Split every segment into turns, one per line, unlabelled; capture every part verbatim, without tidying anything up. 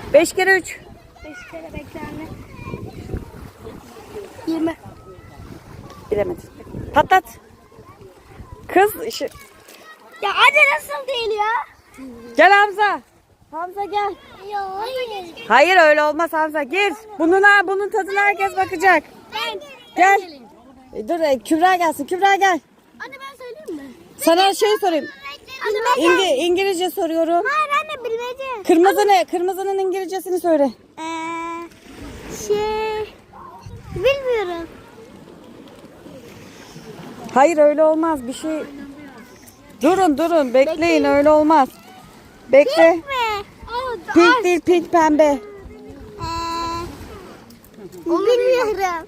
Beş kere üç.
Beş kere bekle anne. Yirmi.
Bilemedin. Patlat. Kız işi.
Ya anne nasıl değil ya?
Gel Hamza. Hamza gel.
Ya hayır.
Hayır öyle olmaz Hamza. Gir. Bunun, bunun tadına herkes bakacak.
Ben.
Gel. E, dur e, Kübra gelsin. Kübra gel.
Anne ben söyleyeyim mi?
Sana şey sorayım.
Anne ben
İngi, İngilizce soruyorum.
Hayır anne bilmece.
Kırmızı ne? Kırmızının İngilizcesini söyle.
Eee şey bilmiyorum.
Hayır öyle olmaz. Bir şey. Durun durun. Bekleyin,
Bekleyin.
öyle olmaz. Bekle.
Pink mi? O
Pink değil, pink pembe.
Eee bilmiyorum.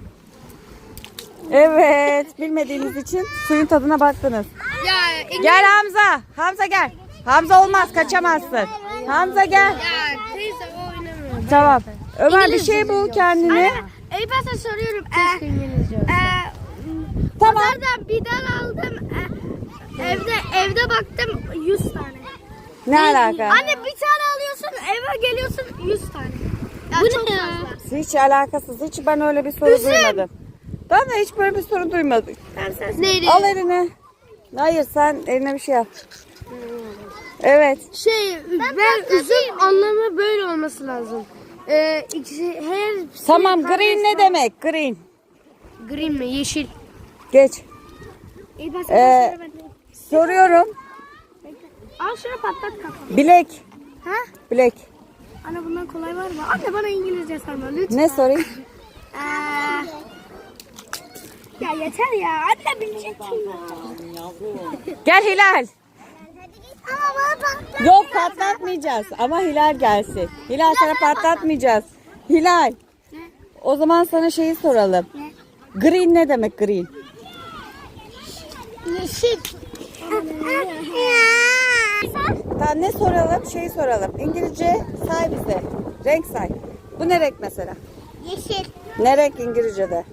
Evet. Bilmediğiniz için suyun tadına baktınız.
Ya
Gel Hamza. Hamza gel. Hamza olmaz, kaçamazsın. Hamza gel.
Ya teyze o oynamıyor.
Tamam. Ömer bir şey bul kendine.
Ey ben sana soruyorum. Ee, ee,
Tamam.
Pazardan biber aldım. Ee, evde evde baktım yüz tane.
Ne alaka?
Anne bir tane alıyorsun eve geliyorsun yüz tane. Ya Bu çok ne fazla.
Hiç alakasız. Hiç ben öyle bir soru
Üzüm.
duymadım. Ben de hiç böyle bir soru duymadım.
Neydi?
Al eline. Hayır sen eline bir şey yap. Evet.
Şey ben, üzüm anlamı böyle olması lazım. Ee, ikisi, her
Tamam, green ne demek? Green.
Green mi? Yeşil.
Geç.
İyi ben
Ee, soruyorum.
Al şunu patlat kafamı.
Bilek.
Ha?
Bilek.
Anne bundan kolay var mı? Anne bana İngilizce sorma lütfen.
Ne sorayım?
Ee, ya yeter ya. Anne bileceksin ya.
Gel Hilal.
Ama bana patlat.
Yok patlatmayacağız ama Hilal gelsin. Hilal sana patlatmayacağız. Hilal. O zaman sana şeyi soralım. Green ne demek green?
Yeşil.
Tamam ne soralım? Şeyi soralım. İngilizce say bize. Renk say. Bu ne renk mesela?
Yeşil.
Ne renk İngilizce'de?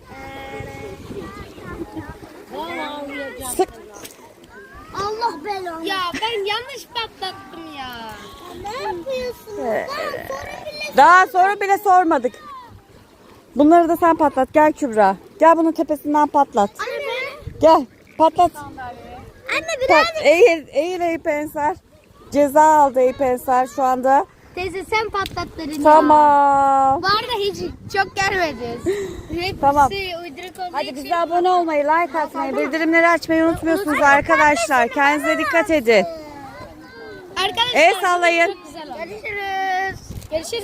Sık.
Allah belanı. Ya ben yanlış patlattım ya. Ne yapıyorsun?
Ee, Daha soru bile sormadık. Bunları da sen patlat. Gel Kübra. Gel bunun tepesinden patlat.
Anne ben.
Gel patlat.
Anne
Pat,
birazcık.
eğil, eğil Eyüp Ensar. Ceza aldı Eyüp Ensar şu anda.
Teyze sen patlat dedin.
Tamam.
Bu arada hiç çok gelmedi. Hepsi
Tamam.
uyduruk olduğu
Hadi
için.
bize abone olmayı, like atmayı, bildirimleri açmayı unutmuyorsunuz arkadaşlar. Kendinize dikkat edin.
Arkadaşlar.
El sallayın.
Çok güzel oldu. Görüşürüz. Görüşürüz.